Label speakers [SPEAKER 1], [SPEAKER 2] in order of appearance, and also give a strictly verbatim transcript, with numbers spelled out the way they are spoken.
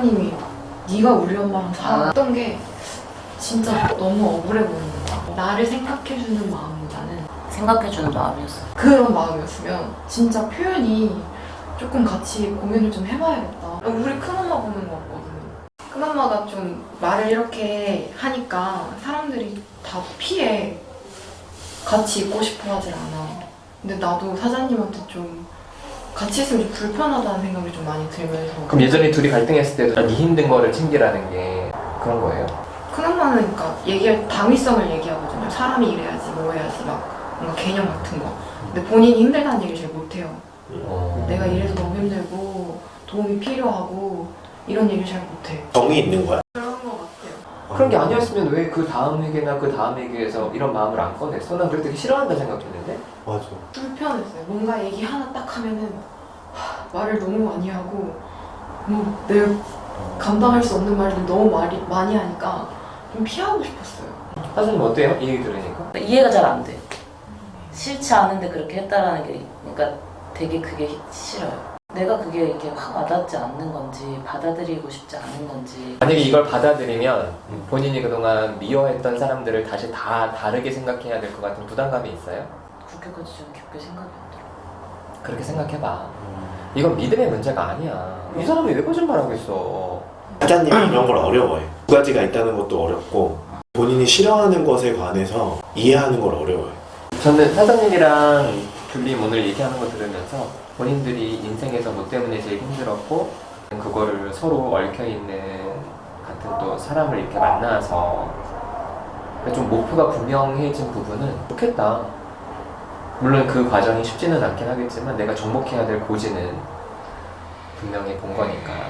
[SPEAKER 1] 사장님이 네가 우리 엄마랑 살았던 게 진짜 너무 억울해 보이는 거야. 나를 생각해주는 마음보다는
[SPEAKER 2] 생각해주는 마음이었어.
[SPEAKER 1] 그런 마음이었으면 진짜 표현이 조금 같이 고민을 좀 해봐야겠다. 우리 큰엄마 보는 거 같거든. 큰엄마가 좀 말을 이렇게 하니까 사람들이 다 피해. 같이 있고 싶어 하질 않아. 근데 나도 사장님한테 좀 같이 있으면 좀 불편하다는 생각이 좀 많이 들면서.
[SPEAKER 3] 그럼 예전에 둘이 갈등했을 때도 네 힘든 거를 챙기라는 게 그런 거예요?
[SPEAKER 1] 큰엄마는 그러니까 얘기할 당위성을 얘기하거든요. 사람이 이래야지 뭐 해야지 막 뭔가 개념 같은 거. 근데 본인이 힘들다는 얘기를 잘 못해요.
[SPEAKER 3] 어...
[SPEAKER 1] 내가 이래서 너무 힘들고 도움이 필요하고 이런 얘기를 잘 못해.
[SPEAKER 4] 정이 있는 거야?
[SPEAKER 1] 그런 거 같아요.
[SPEAKER 3] 그런 게 아니었으면 왜 그 다음 회계나 그 다음 회계에서 이런 마음을 안 꺼냈어? 난 그럴 때 싫어한다 생각했는데?
[SPEAKER 4] 맞아.
[SPEAKER 1] 불편했어요. 뭔가 얘기 하나 딱 하면은 하, 말을 너무 많이 하고 뭐 내가 감당할 수 없는 말들 너무 많이, 많이 하니까 좀 피하고 싶었어요.
[SPEAKER 3] 사장님 어때요? 이 얘기 들으니까?
[SPEAKER 2] 이해가 잘 안 돼. 싫지 않은데 그렇게 했다라는 게, 그러니까 되게 그게 싫어요. 내가 그게 이렇게 확 와닿지 않는 건지 받아들이고 싶지 않은 건지.
[SPEAKER 3] 만약에 이걸 받아들이면 본인이 그동안 미워했던 사람들을 다시 다 다르게 생각해야 될 것 같은 부담감이 있어요?
[SPEAKER 2] 그렇게까지 좀 깊게 생각이 안 들어.
[SPEAKER 3] 그렇게 생각해봐. 이건 믿음의 문제가 아니야. 이 사람이 왜 거짓말하겠어?
[SPEAKER 4] 사장님이 이런 걸 어려워해. 두 가지가 있다는 것도 어렵고 본인이 싫어하는 것에 관해서 이해하는 걸 어려워해.
[SPEAKER 3] 저는 사장님이랑 둘리 오늘 얘기하는 거 들으면서 본인들이 인생에서 뭐 때문에 제일 힘들었고 그거를 서로 얽혀있는 같은 또 사람을 이렇게 만나서 좀 목표가 분명해진 부분은 좋겠다. 물론 그 과정이 쉽지는 않긴 하겠지만 내가 접목해야 될 고지는 분명히 본 거니까